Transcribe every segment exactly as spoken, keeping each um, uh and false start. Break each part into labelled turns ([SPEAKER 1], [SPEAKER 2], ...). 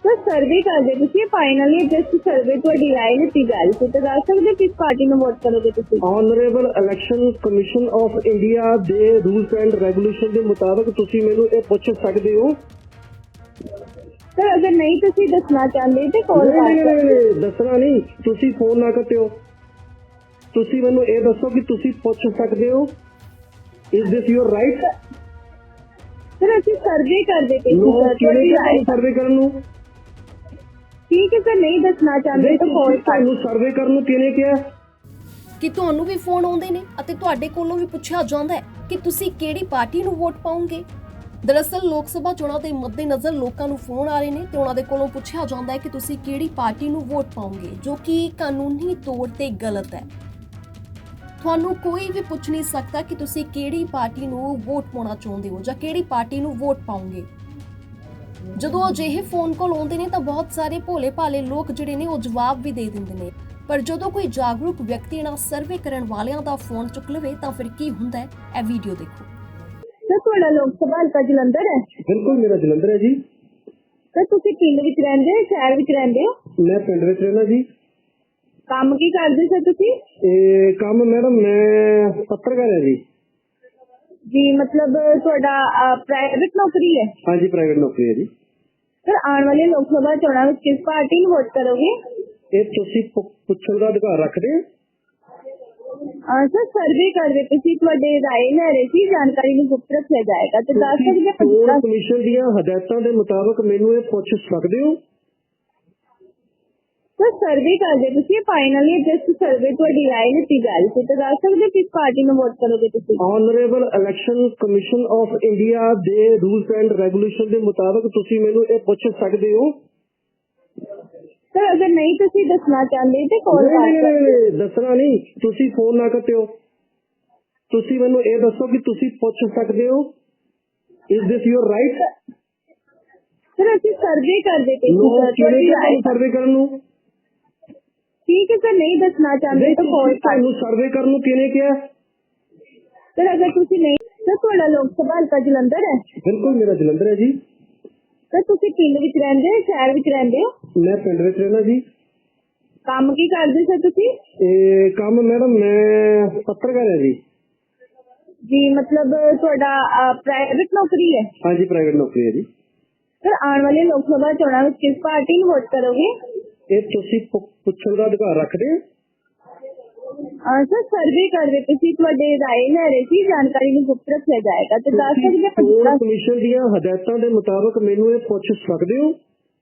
[SPEAKER 1] Sir survey ਕਰਦੇ ਤੁਸੀਂ finally just survey ਤੁਹਾਡੀ ਰਾਏ ਲਿੱਤੀ ਜਾ ਰਹੀ ਸੀ ਤਾਂ ਦੱਸ ਸਕਦੇ ਕਿਸ ਪਾਰਟੀ ਨੂੰ ਵੋਟ ਕਰੋਗੇ ਤੁਸੀਂ?
[SPEAKER 2] Honourable election commission of India ਦੇ ਰੂਲਸ ਐਂਡ ਰੈਗੂਲੇਸ਼ਨ ਦੇ ਮੁਤਾਬਕ ਤੁਸੀਂ ਮੈਨੂੰ ਇਹ ਪੁੱਛ ਸਕਦੇ ਹੋ।
[SPEAKER 1] ਸਰ ਅਗਰ ਨਹੀਂ ਤੁਸੀਂ ਦੱਸਣਾ ਚਾਹੁੰਦੇ ਤੇ ਕਾਲ ਕਰ
[SPEAKER 2] ਨਹੀਂ
[SPEAKER 1] ਸਕਦੇ।
[SPEAKER 2] ਨਹੀਂ ਦੱਸਣਾ ਨਹੀਂ, ਤੁਸੀਂ ਫੋਨ ਨਾ ਕੱਟਿਓ। ਤੁਸੀਂ ਮੈਨੂੰ ਇਹ ਦੱਸੋ ਕਿ ਤੁਸੀਂ ਪੁੱਛ ਸਕਦੇ ਹੋ। Is this your right?
[SPEAKER 1] Sir ਅਸੀਂ ਸਰਵੇ ਕਰਦੇ ਪਏ
[SPEAKER 2] ਨੋ
[SPEAKER 1] ਸੀ ਸਰ ਤੁਹਾਡੀ ਰਾਏ।
[SPEAKER 2] ਸਰਵੇ ਕਰਨ ਨੂੰ
[SPEAKER 1] ਠੀਕ ਹੈ ਸਰ ਨਹੀਂ ਦੱਸਣਾ ਚਾਹੁੰਦੇ ਤਾਂ ਕਾਲ ਕਰ।
[SPEAKER 2] ਤੁਹਾਨੂੰ ਸਰਵੇ ਕਰਨ ਨੂੰ ਕਿਹਨੇ ਕਿਹਾ?
[SPEAKER 3] ਕਿ ਤੁਹਾਨੂੰ ਵੀ ਫੋਨ ਆਉਂਦੇ ਨੇ ਅਤੇ ਤੁਹਾਡੇ ਕੋਲੋਂ ਵੀ ਪੁੱਛਿਆ ਜਾਂਦਾ ਹੈ ਕਿ ਤੁਸੀਂ ਕਿਹੜੀ ਪਾਰਟੀ ਨੂੰ ਵੋਟ ਪਾਓਗੇ। ਦਰਅਸਲ ਲੋਕ ਸਭਾ ਚੋਣਾਂ ਦੇ ਮੱਦੇਨਜ਼ਰ ਲੋਕਾਂ ਨੂੰ ਫੋਨ ਆ ਰਹੇ ਨੇ ਤੇ ਉਹਨਾਂ ਦੇ ਕੋਲੋਂ ਪੁੱਛਿਆ ਜਾਂਦਾ ਹੈ ਕਿ ਤੁਸੀਂ ਕਿਹੜੀ ਪਾਰਟੀ ਨੂੰ ਵੋਟ ਪਾਓਗੇ, ਜੋ ਕਿ ਕਾਨੂੰਨੀ ਤੌਰ ਤੇ ਗਲਤ ਹੈ। ਤੁਹਾਨੂੰ ਕੋਈ ਵੀ ਪੁੱਛ ਨਹੀਂ ਸਕਦਾ ਕਿ ਤੁਸੀਂ ਕਿਹੜੀ ਪਾਰਟੀ ਨੂੰ ਵੋਟ ਪਾਉਣਾ ਚਾਹੁੰਦੇ ਹੋ ਜਾਂ ਕਿਹੜੀ ਪਾਰਟੀ ਨੂੰ ਵੋਟ ਪਾਓਗੇ। ਜਦੋਂ ਅਜਿਹੇ ਫੋਨ ਕਾਲ ਆਉਂਦੇ ਨੇ ਤਾਂ ਬਹੁਤ ਸਾਰੇ ਭੋਲੇ ਭਾਲੇ ਲੋਕ ਜਿਹੜੇ ਨੇ ਉਹ ਜਵਾਬ ਵੀ ਦੇ ਦਿੰਦੇ ਨੇ, ਪਰ ਜਦੋਂ ਕੋਈ ਜਾਗਰੂਕ ਵਿਅਕਤੀ ਨਾਲ ਸਰਵੇ ਕਰਨ ਵਾਲਿਆਂ ਦਾ ਫੋਨ ਚੁੱਕ ਲਵੇ ਤਾਂ ਫਿਰ ਕੀ ਹੁੰਦਾ ਹੈ, ਇਹ ਵੀਡੀਓ ਦੇਖੋ।
[SPEAKER 1] ਸਰ ਤੁਹਾਡਾ ਲੋਕ ਸਭਾ ਹਲਕਾ ਜਲੰਧਰ ਹੈ?
[SPEAKER 2] ਬਿਲਕੁਲ ਮੇਰਾ ਜਲੰਧਰ ਹੈ ਜੀ।
[SPEAKER 1] ਸਰ ਤੁਸੀਂ ਪਿੰਡ ਵਿੱਚ ਰਹਿੰਦੇ ਹੋ ਸ਼ਹਿਰ ਵਿੱਚ ਰਹਿੰਦੇ ਹੋ?
[SPEAKER 2] ਮੈਂ ਪਿੰਡ ਵਿੱਚ ਰਹਿਣਾ ਜੀ।
[SPEAKER 1] ਕੰਮ ਕੀ ਕਰਦੇ ਸਰ ਤੁਸੀਂ?
[SPEAKER 2] ਇਹ ਕੰਮ ਮੈਡਮ ਮੈਂ ਪੱਤਰਕਾਰ ਹਾਂ ਜੀ।
[SPEAKER 1] ਜੀ ਮਤਲਬ ਤੁਹਾਡਾ ਪ੍ਰਾਈਵੇਟ ਨੌਕਰੀ ਹੈ?
[SPEAKER 2] ਹਾਂਜੀ ਪ੍ਰਾਈਵੇਟ ਨੌਕਰੀ ਹੈ ਜੀ।
[SPEAKER 1] ਸਰ ਆਉਣ ਵਾਲੇ ਲੋਕ ਸਭਾ ਚੋਣਾਂ ਵਿੱਚ ਕਿਸ ਪਾਰਟੀ ਨੂੰ ਵੋਟ ਕਰੋਗੇ?
[SPEAKER 2] ਇਹ ਤੁਸੀਂ ਪੁ- ਪੁੱਛਣ ਦਾ ਅਧਿਕਾਰ ਰੱਖਦੇ ਹੋ।
[SPEAKER 1] ਹਾਂ ਸਰ ਸਰਵੇ ਕਰਦੇ ਤੁਸੀਂ ਤੁਹਾਡੇ ਰਾਏ ਲੈ ਰਹੇ ਸੀ, ਜਾਣਕਾਰੀ ਨੂੰ ਗੁਪਤ ਰੱਖਿਆ ਜਾਏਗਾ ਤੇ ਦੱਸ ਸਕਦੇ
[SPEAKER 2] ਚੋਣ
[SPEAKER 1] ਹੋ?
[SPEAKER 2] ਕਮਿਸ਼ਨ ਦੀਆਂ ਹਦਾਇਤਾਂ ਦੇ ਮੁਤਾਬਕ ਮੈਨੂੰ ਇਹ ਪੁੱਛ ਸਕਦੇ ਹੋ।
[SPEAKER 1] ਸਰ ਸਰਵੇ ਕਰਦੇ ਤੁਸੀਂ ਫਾਈਨਲੀ ਜਸਟ ਸਰਵੇ ਤੁਹਾਡੀ ਰਾਏ ਲਿੱਤੀ ਜਾ ਰਹੀ ਸੀ ਤਾਂ ਦੱਸ ਸਕਦੇ ਕਿਸ ਪਾਰਟੀ ਨੂੰ ਵੋਟ ਕਰੋਗੇ ਤੁਸੀਂ?
[SPEAKER 2] Honourable election commission of India ਦੇ ਰੂਲਸ ਐਂਡ ਰੈਗੂਲੇਸ਼ਨ ਦੇ ਮੁਤਾਬਕ ਤੁਸੀਂ ਮੈਨੂੰ ਇਹ ਪੁੱਛ ਸਕਦੇ ਹੋ।
[SPEAKER 1] ਸਰ ਅਗਰ ਨਹੀਂ ਤੁਸੀਂ ਦੱਸਣਾ ਚਾਹੁੰਦੇ ਤੇ ਕਾਲ ਕਰ
[SPEAKER 2] ਨਹੀਂ
[SPEAKER 1] ਸਕਦੇ।
[SPEAKER 2] ਨਹੀਂ ਦੱਸਣਾ ਨਹੀਂ, ਤੁਸੀਂ ਫੋਨ ਨਾ ਕੱਟਿਓ। ਤੁਸੀਂ ਮੈਨੂੰ ਇਹ ਦੱਸੋ ਕਿ ਤੁਸੀਂ ਪੁੱਛ ਸਕਦੇ ਹੋ। Is this your right?
[SPEAKER 1] Sir ਅਸੀਂ ਸਰਵੇ ਕਰਦੇ ਪਏ
[SPEAKER 2] ਨੋ
[SPEAKER 1] ਸੀ ਸਰ ਤੁਹਾਡੀ ਰਾਏ।
[SPEAKER 2] ਸਰਵੇ ਕਰਨ ਨੂੰ
[SPEAKER 1] ਠੀਕ ਹੈ ਸਰ ਨਹੀਂ ਦੱਸਣਾ ਚਾਹੁੰਦੇ ਤਾਂ ਕਾਲ ਕਰ।
[SPEAKER 2] ਤੁਹਾਨੂੰ ਸਰਵੇ ਕਰਨ ਨੂੰ ਕਿਹਨੇ ਕਿਹਾ?
[SPEAKER 1] ਸਰ ਅਗਰ ਤੁਸੀਂ ਨਹੀਂ ਸਰ ਤੁਹਾਡਾ ਲੋਕ ਸਭਾ ਹਲਕਾ ਜਲੰਧਰ ਹੈ?
[SPEAKER 2] ਬਿਲਕੁਲ ਮੇਰਾ ਜਲੰਧਰ ਹੈ ਜੀ।
[SPEAKER 1] ਸਰ ਤੁਸੀਂ ਪਿੰਡ ਵਿੱਚ ਰਹਿੰਦੇ ਹੋ ਸ਼ਹਿਰ ਵਿੱਚ ਰਹਿੰਦੇ ਹੋ?
[SPEAKER 2] ਮੈਂ ਪਿੰਡ ਵਿੱਚ ਰਹਿਣਾ ਜੀ।
[SPEAKER 1] ਕੰਮ ਕੀ ਕਰਦੇ ਸਰ ਤੁਸੀਂ?
[SPEAKER 2] ਇਹ ਕੰਮ ਮੈਡਮ ਮੈਂ ਪੱਤਰਕਾਰ ਹਾਂ ਜੀ।
[SPEAKER 1] ਜੀ ਮਤਲਬ ਤੁਹਾਡਾ ਪ੍ਰਾਈਵੇਟ ਨੌਕਰੀ ਹੈ?
[SPEAKER 2] ਹਾਂਜੀ ਪ੍ਰਾਈਵੇਟ ਨੌਕਰੀ ਹੈ ਜੀ।
[SPEAKER 1] ਸਰ ਆਉਣ ਵਾਲੇ ਲੋਕ ਸਭਾ ਚੋਣਾਂ ਵਿੱਚ ਕਿਸ ਪਾਰਟੀ ਨੂੰ ਵੋਟ ਕਰੋਗੇ?
[SPEAKER 2] ਇਹ ਤੁਸੀਂ ਪੁ- ਪੁੱਛਣ ਦਾ ਅਧਿਕਾਰ ਰੱਖਦੇ ਹੋ।
[SPEAKER 1] ਹਾਂ ਸਰ ਸਰਵੇ ਕਰਦੇ ਤੁਸੀਂ ਤੁਹਾਡੇ ਰਾਏ ਲੈ ਰਹੇ ਸੀ, ਜਾਣਕਾਰੀ ਨੂੰ ਗੁਪਤ ਰੱਖਿਆ ਜਾਏਗਾ ਤੇ ਦੱਸ ਸਕਦੇ
[SPEAKER 2] ਚੋਣ
[SPEAKER 1] ਹੋ?
[SPEAKER 2] ਕਮਿਸ਼ਨ ਦੀਆਂ ਹਦਾਇਤਾਂ ਦੇ ਮੁਤਾਬਕ ਮੈਨੂੰ ਇਹ ਪੁੱਛ ਸਕਦੇ ਹੋ।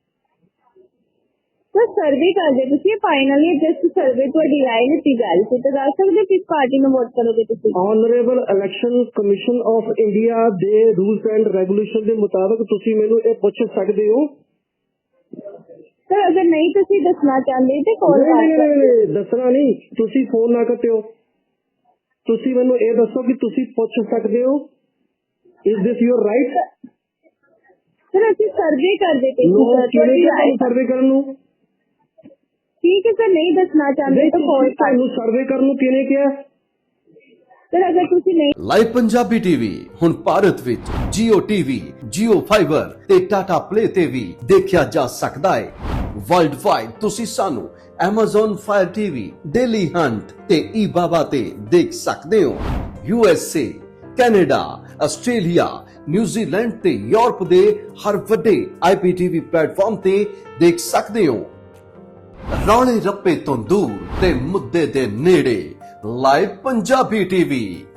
[SPEAKER 1] ਸਰ ਸਰਵੇ ਕਰਦੇ ਤੁਸੀਂ ਫਾਈਨਲੀ ਜਸਟ ਸਰਵੇ ਤੁਹਾਡੀ ਰਾਏ ਲਿੱਤੀ ਜਾ ਰਹੀ ਸੀ ਤਾਂ ਦੱਸ ਸਕਦੇ ਕਿਸ ਪਾਰਟੀ ਨੂੰ ਵੋਟ ਕਰੋਗੇ ਤੁਸੀਂ?
[SPEAKER 2] Honourable election commission of India ਦੇ ਰੂਲਸ ਐਂਡ ਰੈਗੂਲੇਸ਼ਨ ਦੇ ਮੁਤਾਬਕ ਤੁਸੀਂ ਮੈਨੂੰ ਇਹ ਪੁੱਛ ਸਕਦੇ ਹੋ।
[SPEAKER 1] ਸਰ ਅਗਰ ਨਹੀਂ ਤੁਸੀਂ ਦੱਸਣਾ ਚਾਹੁੰਦੇ ਤੇ ਕਾਲ ਕਰ
[SPEAKER 2] ਨਹੀਂ
[SPEAKER 1] ਸਕਦੇ।
[SPEAKER 2] ਨਹੀਂ ਦੱਸਣਾ ਨਹੀਂ, ਤੁਸੀਂ ਫੋਨ ਨਾ ਕੱਟਿਓ। ਤੁਸੀਂ ਮੈਨੂੰ ਇਹ ਦੱਸੋ ਕਿ ਤੁਸੀਂ ਪੁੱਛ ਸਕਦੇ ਹੋ। Is this your right?
[SPEAKER 1] Sir ਅਸੀਂ ਸਰਵੇ ਕਰਦੇ ਪਏ
[SPEAKER 2] ਨੋ
[SPEAKER 1] ਸੀ ਸਰ ਤੁਹਾਡੀ ਰਾਏ।
[SPEAKER 2] ਸਰਵੇ ਕਰਨ ਨੂੰ
[SPEAKER 1] ਠੀਕ ਹੈ ਸਰ ਨਹੀਂ ਦੱਸਣਾ ਚਾਹੁੰਦੇ ਤਾਂ ਕਾਲ ਕਰ।
[SPEAKER 2] ਤੁਹਾਨੂੰ ਸਰਵੇ ਕਰਨ ਨੂੰ ਕਿਹਨੇ ਕਿਹਾ?
[SPEAKER 1] ਸਰ ਅਗਰ ਤੁਸੀਂ ਨਹੀਂ
[SPEAKER 4] ਲਾਈਵ ਪੰਜਾਬੀ ਟੀਵੀ ਹੁਣ ਭਾਰਤ ਵਿੱਚ Jio T V, Jio Fiber ਤੇ Tata Play ਤੇ ਵੀ ਦੇਖਿਆ ਜਾ ਸਕਦਾ ਹੈ। ਵਰਲਡ ਵਾਈਡ ਤੁਸੀਂ ਸਾਨੂੰ Amazon Fire T V, Daily Hunt ਤੇ eBaba ਤੇ ਦੇਖ ਸਕਦੇ ਹੋ। U S A, Canada, Australia, New Zealand ਤੇ ਯੂਰਪ ਦੇ ਹਰ ਵੱਡੇ ਆਈ ਪੀ ਟੀ ਵੀ ਪਲੇਟਫਾਰਮ ਤੇ ਦੇਖ ਸਕਦੇ ਹੋ। ਰੌਲੇ ਰੱਪੇ ਤੋਂ ਦੂਰ ਤੇ ਮੁੱਦੇ ਦੇ ਨੇੜੇ ਲਾਈਵ ਪੰਜਾਬੀ ਟੀਵੀ।